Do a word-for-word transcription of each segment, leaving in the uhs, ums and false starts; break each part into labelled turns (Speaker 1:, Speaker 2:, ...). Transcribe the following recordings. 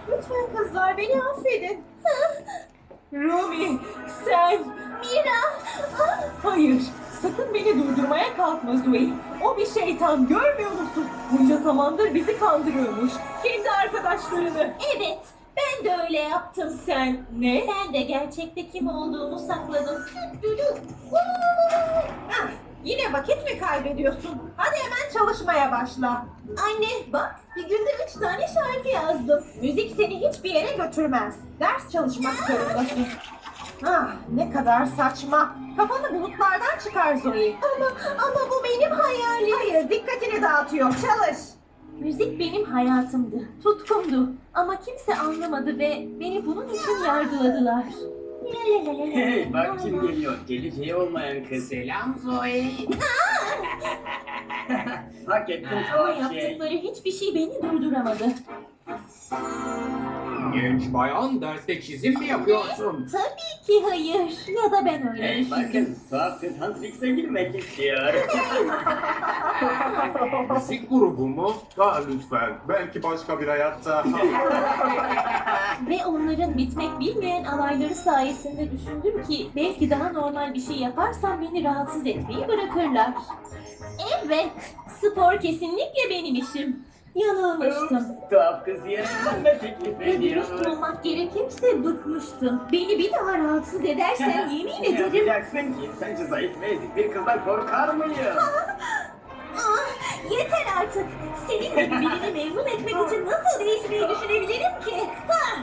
Speaker 1: Lütfen kızlar beni affedin. Rumi, sen... Mira! Hayır, sakın beni durdurmaya kalkma Zoe. O bir şeytan, görmüyor musun? Bunca zamandır bizi kandırıyormuş. Kendi arkadaşlarını. Evet, ben de öyle yaptım. Sen ne? Ben de gerçekte kim olduğumu sakladım. Ah, yine vakit mi kaybediyorsun? Hadi hemen çalışmaya başla. Anne bak, bir günde üç tane şarkı yazdım. Müzik seni hiçbir yere götürmez. Ders çalışmak zorundasın. Ah, ne kadar saçma. Kafanı bulutlardan çıkar Zoe. Ama, ama bu benim hayalim. Hayır, dikkatini dağıtıyor. Çalış. Müzik benim hayatımdı, tutkumdu. Ama kimse anlamadı ve beni bunun için yargıladılar.
Speaker 2: Hey bak kim geliyor. Geleceği olmayan kız.
Speaker 3: Selam Zoe.
Speaker 2: Hak ettin
Speaker 1: Ama
Speaker 2: tuhaf şey.
Speaker 1: yaptıkları hiçbir şey beni durduramadı.
Speaker 3: Genç bayan derste çizim mi yapıyorsun?
Speaker 1: Tabii ki hayır. Ya da ben öyle
Speaker 2: Hey
Speaker 1: düşündüm.
Speaker 2: bakın tuhaf kız Huntrix'e girmek istiyor.
Speaker 3: Müzik grubu mu?
Speaker 4: Aa, lütfen. Belki başka bir hayatta.
Speaker 1: Ve onların bitmek bilmeyen alayları sayesinde düşündüm ki belki daha normal bir şey yaparsam beni rahatsız etmeyi bırakırlar. Evet, spor kesinlikle benim işim. Yanılmıştım.
Speaker 2: Tuhaf kız yarışmamda teklif
Speaker 1: Ve
Speaker 2: ediyor.
Speaker 1: dürüst olmak gerekirse bıkmıştım. Beni bir daha rahatsız edersen yemin
Speaker 2: Ne
Speaker 1: ederim.
Speaker 2: yapacaksın ki? Sence zayıf ve ezik bir kızdan korkar mıyım?
Speaker 1: Ah, yeter artık. Senin gibi birini memnun etmek için nasıl değişmeyi düşünebilirim ki? Ha!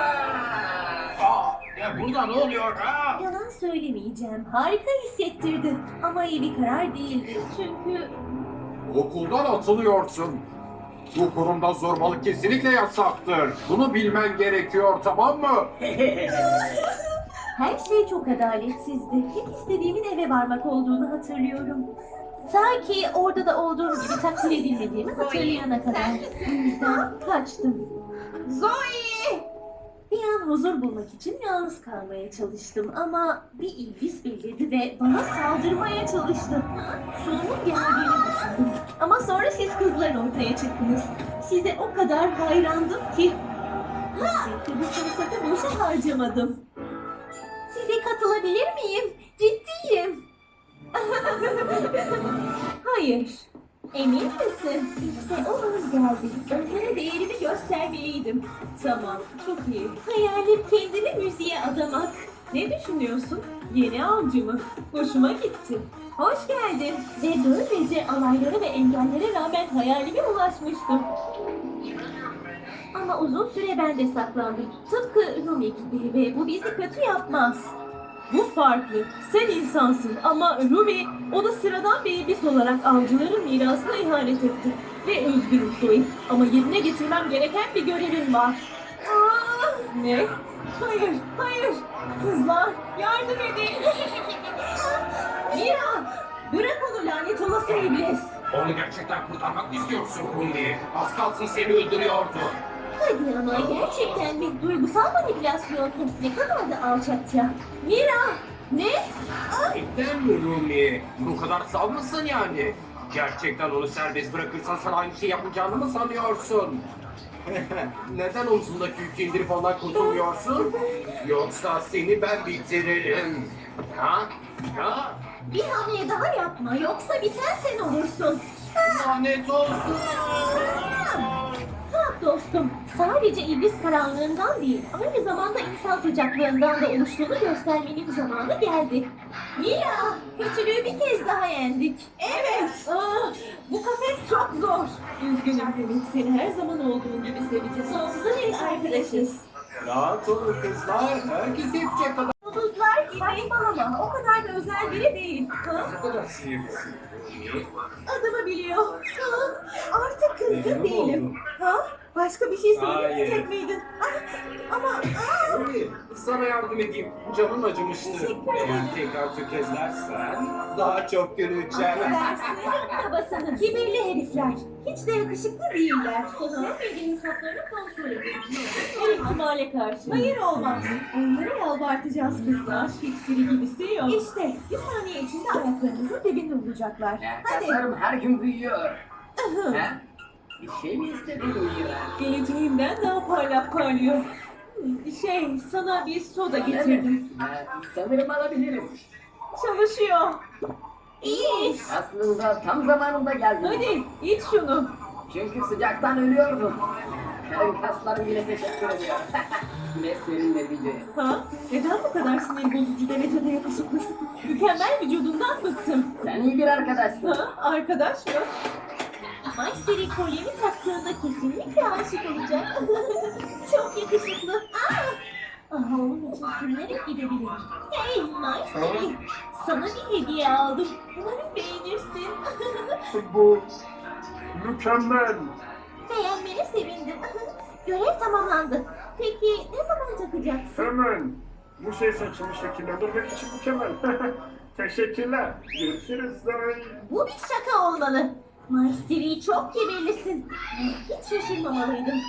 Speaker 3: Aa, ya burada ne oluyor ha?
Speaker 1: Yalan söylemeyeceğim. Harika hissettirdi. Ama iyi bir karar değildi. Çünkü
Speaker 4: Okuldan atılıyorsun. Bu kurumda zorbalık kesinlikle yasaktır. Bunu bilmen gerekiyor, tamam mı?
Speaker 1: her şey çok adaletsizdi. Tek istediğimin eve varmak olduğunu hatırlıyorum. Ta ki orada da olduğum gibi takdir edilmediğimi hatırlayana kadar. Bu yüzden kaçtım. Zoe! Bir an huzur bulmak için yalnız kalmaya çalıştım ama bir iblis belirdi ve bana saldırmaya çalıştı. Sonumun geldiğini düşündüm. Ama sonra siz kızlar ortaya çıktınız. Size o kadar hayrandım ki. Elbette bu fırsatı boşa harcamadım. Size katılabilir miyim? Ciddiyim. Hayır. Emin misin? İşte o an geldi. Onlara değerimi göstermeliydim. Tamam, çok iyi. Hayalim kendimi müziğe adamak. Ne düşünüyorsun? Yeni avcı mı? Hoşuma gitti. Hoş geldin. Ve böylece alaylara ve engellere rağmen hayalime ulaşmıştım. Ama uzun süre ben de saklandım. Tıpkı Rumi gibi ve bu bizi kötü yapmaz. Bu farklı. Sen insansın ama Rumi onu sıradan bir iblis olarak avcıların mirasına ihanet etti. Ve üzgünüm Zoe. Ama yerine getirmem gereken bir görevim var. Aa, ne? Hayır, hayır. Kızlar yardım edin. Mira! Bırak onu lanet olası iblis.
Speaker 3: Onu gerçekten kurtarmak mı istiyorsun Rundi? Az kalsın seni öldürüyordu.
Speaker 1: Hadi ama gerçekten mi? Duygusal manipülasyon mu? Ne kadar da alçakça. Mira! Ne? Ah!
Speaker 3: Neden mi Rumi? Bu kadar sal mısın yani? Gerçekten onu serbest bırakırsan sana aynı şey yapacağını mı sanıyorsun? Neden omzundaki yükü indirip ondan kurtulmuyorsun? Yoksa seni ben bitiririm. Ha? Ha?
Speaker 1: Bir hamle daha yapma yoksa biten sen olursun.
Speaker 3: Lanet olsun.
Speaker 1: Ha dostum, sadece iblis karanlığından değil, aynı zamanda insan sıcaklığından da oluştuğunu göstermenin zamanı geldi. Mira, kötülüğü bir kez daha yendik. Evet. Aa, bu kafes çok zor. Üzgünüm Demek, seni her zaman olduğun gibi seveceğiz. Sonsuza dek arkadaşız.
Speaker 3: Rahat olun kızlar. Herkes yetecek kadar.
Speaker 1: Yıldızlar saçmalama, o kadar da özel biri değil. Ha?
Speaker 3: Ne kadar sinirlisin.
Speaker 1: Adımı biliyor. Ha? Artık kızgın
Speaker 3: Memnun
Speaker 1: değilim.
Speaker 3: oldum.
Speaker 1: Ha? Başka bir şey söylemeyecek
Speaker 3: Hayır.
Speaker 1: miydin? Ah, ama ah!
Speaker 3: Rumi, sana yardım edeyim. Canım acımıştı.
Speaker 1: Teşekkür ederim.
Speaker 3: Eğer tekrar tökezlersen daha çok göreceğim.
Speaker 1: Affedersin, babasının kibirli herifler. Hiç de yakışıklı değiller. Sosyal medya hesaplarını kontrol edin. Her ihtimale karşı. Hayır olmaz. Onları yalvartacağız kızlar. Hiçbiri gibisi yok. İşte bir saniye içinde ayaklarınızın dibinde olacaklar. Hadi.
Speaker 2: Kaslarım her gün büyüyor. Ha? Bir şey mi istedin Mira?
Speaker 1: Geleceğimden daha hala parlıyor. Şey, sana bir soda getirdim.
Speaker 2: Ee, sanırım alabilirim.
Speaker 1: Çalışıyor. İyi.
Speaker 2: Aslında tam zamanında geldim.
Speaker 1: Hadi iç şunu.
Speaker 2: Çünkü sıcaktan ölüyordum. Karın kaslarım bile teşekkür ediyor. Ne serinletici.
Speaker 1: Ha? Neden bu kadar sinir bozucu derecede yakışıklısın? Mükemmel vücudundan bıktım.
Speaker 2: Sen iyi bir arkadaşsın.
Speaker 1: Ha? Arkadaş mı? Maestri kolyemi taktığında kesinlikle aşık olacak. Çok yakışıklı. Aa! Aha, onun için sürünerek gidebilirim. Hey Maestri, sana bir hediye aldım. Umarım beğenirsin.
Speaker 4: Bu mükemmel.
Speaker 1: Beğenmene sevindim. Görev tamamlandı. Peki ne zaman takacaksın?
Speaker 4: Hemen. Bu şey saçımı şekillendirmek için mükemmel. Teşekkürler. Görüşürüz.
Speaker 1: Bu bir şaka olmalı. Maestri çok kibirlisin. Hiç şaşırmamalıydım.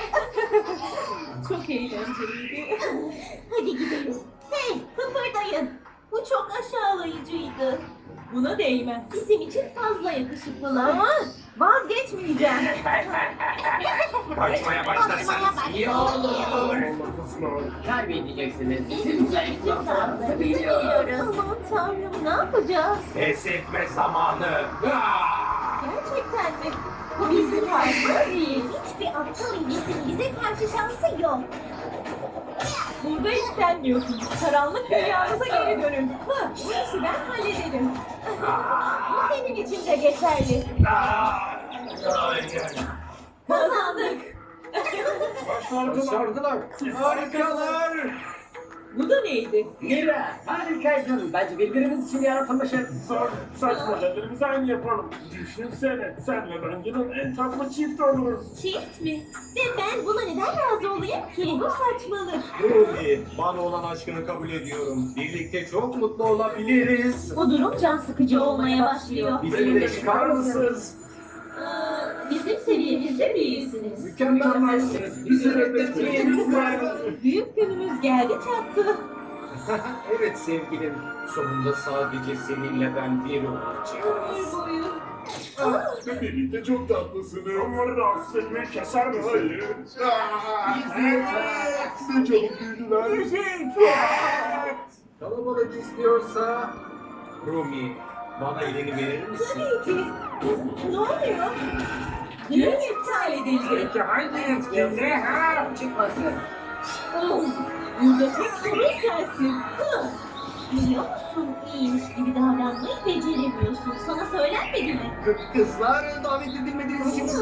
Speaker 1: Çok eğlenceliydi. Hadi gidelim. Hey, kıpırdayın. Bu çok aşağılayıcıydı. Buna değmez. Bizim için fazla yakışıklılar. Ama vazgeçmeyeceğim.
Speaker 3: Kaçmaya başlarsanız iyi olur.
Speaker 2: Kaybedeceksiniz. Sizin
Speaker 1: Bizim
Speaker 2: zayıflıklarınızı
Speaker 1: biliyoruz.
Speaker 2: biliyoruz.
Speaker 1: Aman tanrım, ne yapacağız?
Speaker 3: Pes etme zamanı. Ah!
Speaker 1: Gerçekten mi? Bu bizim hakkımız değil. Hiçbir aptal iblisin bize karşı şansı yok. Burada istenmiyorsun. Karanlık dünyamıza geri dönün. Hı, bu işi ben hallederim. Bu senin için de geçerli.
Speaker 3: Ah! Hayır.
Speaker 1: Kazandık.
Speaker 3: Başardılar. Harikalar.
Speaker 1: Bu da neydi?
Speaker 2: Mira, harikaydın. Bence birbirimiz için yaratılmışız.
Speaker 4: Sa saç modellerimizi aynı yapalım. Düşünsene, senle ben yılın en tatlı çift oluruz.
Speaker 1: Çift mi? Ve ben buna neden razı olayım ki? Bu saçmalık.
Speaker 3: Ruby, bana olan aşkını kabul ediyorum. Birlikte çok mutlu olabiliriz.
Speaker 1: Bu durum can sıkıcı olmaya başlıyor.
Speaker 3: Bizimle çıkar mısınız?
Speaker 1: Aa, bizim seviyemizde değilsiniz.
Speaker 3: Mükemmelsiniz. Bizi reddetmeyin lütfen.
Speaker 1: Büyük günümüz geldi çattı.
Speaker 3: Evet sevgilim. Sonunda sadece seninle ben bir olacağım.
Speaker 1: Ömür boyu.
Speaker 4: Birlikte çok tatlısınız. Onları rahatsız etmeyi keser mi? Hayır. Evet. Ne çabuk büyüdüler.
Speaker 3: Kalabalık istiyorsa Rumi, bana elini verir misin?
Speaker 1: Tabii ki. Ne oluyor? Düğün iptal edildi.
Speaker 3: Peki hangi etkinliğe ha?
Speaker 2: Çıkmasın.
Speaker 1: Oh, burada tek sorun sensin. Hı. Biliyor musun? İyiymiş gibi davranmayı beceremiyorsun. Sana söylenmedi mi?
Speaker 3: Kı- Kızlar davet edilmediğiniz için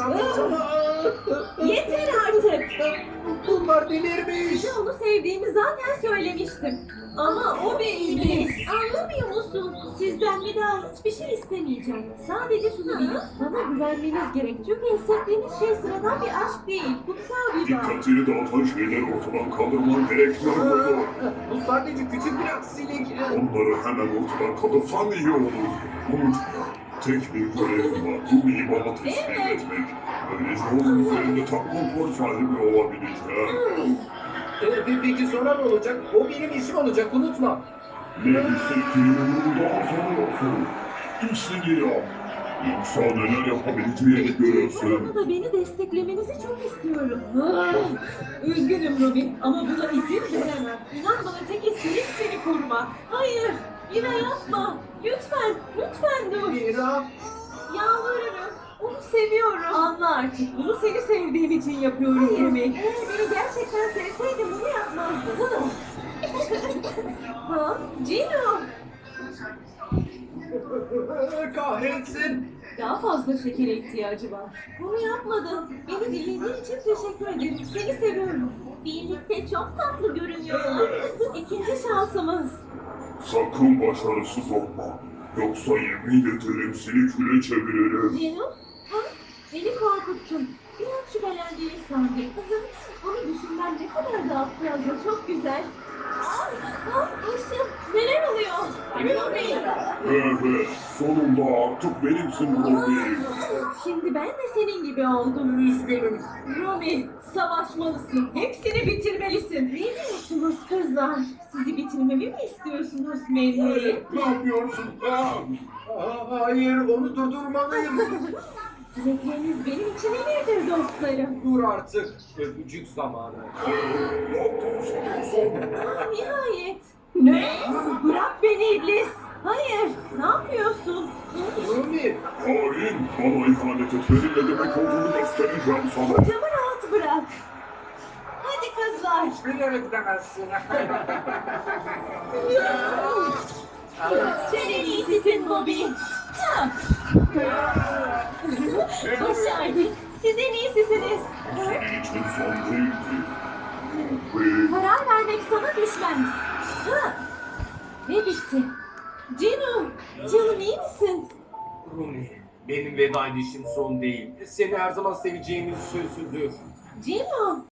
Speaker 1: Yeter artık.
Speaker 3: Bunlar delirmiş.
Speaker 1: Size onu sevdiğimi zaten söylemiştim. Ama o bir iblis. Anlamıyor musun? Sizden bir daha hiçbir şey istemeyeceğim. Sadece şunu bilin. Bana güvenmeniz gerek. Çünkü hissettiğiniz şey sıradan bir aşk değil. Kutsal bir bağ.
Speaker 5: Dikkatini dağıtan şeyleri ortadan kaldırman gerekiyor burada.
Speaker 3: Bu sadece küçük bir aksilik.
Speaker 5: Onları hemen ortadan kaldırsan iyi olur. Unutma, tek bir görevim var. Bu imama teslim
Speaker 1: Evet.
Speaker 5: etmek. Böylece onun üzerinde tam kontrol sahibi olabileceğim.
Speaker 3: Ee, Peki sonra ne olacak? O benim işim olacak, unutma.
Speaker 5: Ne hissettiğini daha sanıyorsun. İşini yap. Yoksa neler yapabileceğini görürsün.
Speaker 1: Bana da beni desteklemenizi çok istiyorum. Ah, üzgünüm Ruby ama buna izin veremem. İnan bana tek isteğim seni korumak. Hayır, Mira yapma. Lütfen, lütfen dur.
Speaker 3: Mira,
Speaker 1: Yalvarırım. Onu seviyorum. Anla artık. Bunu seni sevdiğim için yapıyorum Ruby. Eğer beni gerçekten sevseydin bunu yapmazdın. Ha? Gino.
Speaker 3: kahretsin.
Speaker 1: Daha fazla şekere ihtiyacı var. Bunu yapmadın. Beni dinlediğin için teşekkür ederim. Seni seviyorum. Birlikte çok tatlı görünüyorlar. İkinci şansımız.
Speaker 5: Sakın başarısız olma. Yoksa yemin ederim seni küle çeviririm.
Speaker 1: Cino, ha? Beni korkuttun. Bir an şüphelendiğini sandım. Onu düşünmem ne kadar da aptalca, çok güzel. Ah, ah, başım. Neler oluyor? Ruby.
Speaker 5: Evet, sonunda artık benimsin Ruby.
Speaker 1: Şimdi ben de senin gibi oldum.
Speaker 3: Üzgünüm.
Speaker 1: Ruby, savaşmalısın. Hepsini bitirmelisin. Ne diyorsunuz kızlar? Sizi bitirmemi mi istiyorsunuz Mary?
Speaker 5: Ne yapıyorsun? Ah!
Speaker 3: Aa, hayır, onu durdurmalıyım.
Speaker 1: Dilekleriniz benim için emirdir dostlarım.
Speaker 3: Dur artık. Öpücük zamanı.
Speaker 5: Ne yaptığını sanıyorsun?
Speaker 1: Aa, nihayet. Ne? Bırak beni iblis. Hayır. Ne yapıyorsun?
Speaker 3: Rumi.
Speaker 5: Hain, bana ihanet etmenin ne demek olduğunu göstereceğim sana.
Speaker 1: Kocamı rahat bırak. Hadi kızlar.
Speaker 3: Bilerek demezsin.
Speaker 1: Sen en iyisisin Bobby. Ha. Başardık. Siz en iyisisiniz.
Speaker 5: Senin için son değildi. Ve
Speaker 1: Karar vermek sana düşmez. Ha. Ve bitti. Cino, canım iyi misin?
Speaker 3: Rumi. Benim veda edişim son değil. Seni her zaman seveceğimiz sözüdür.
Speaker 1: Cino.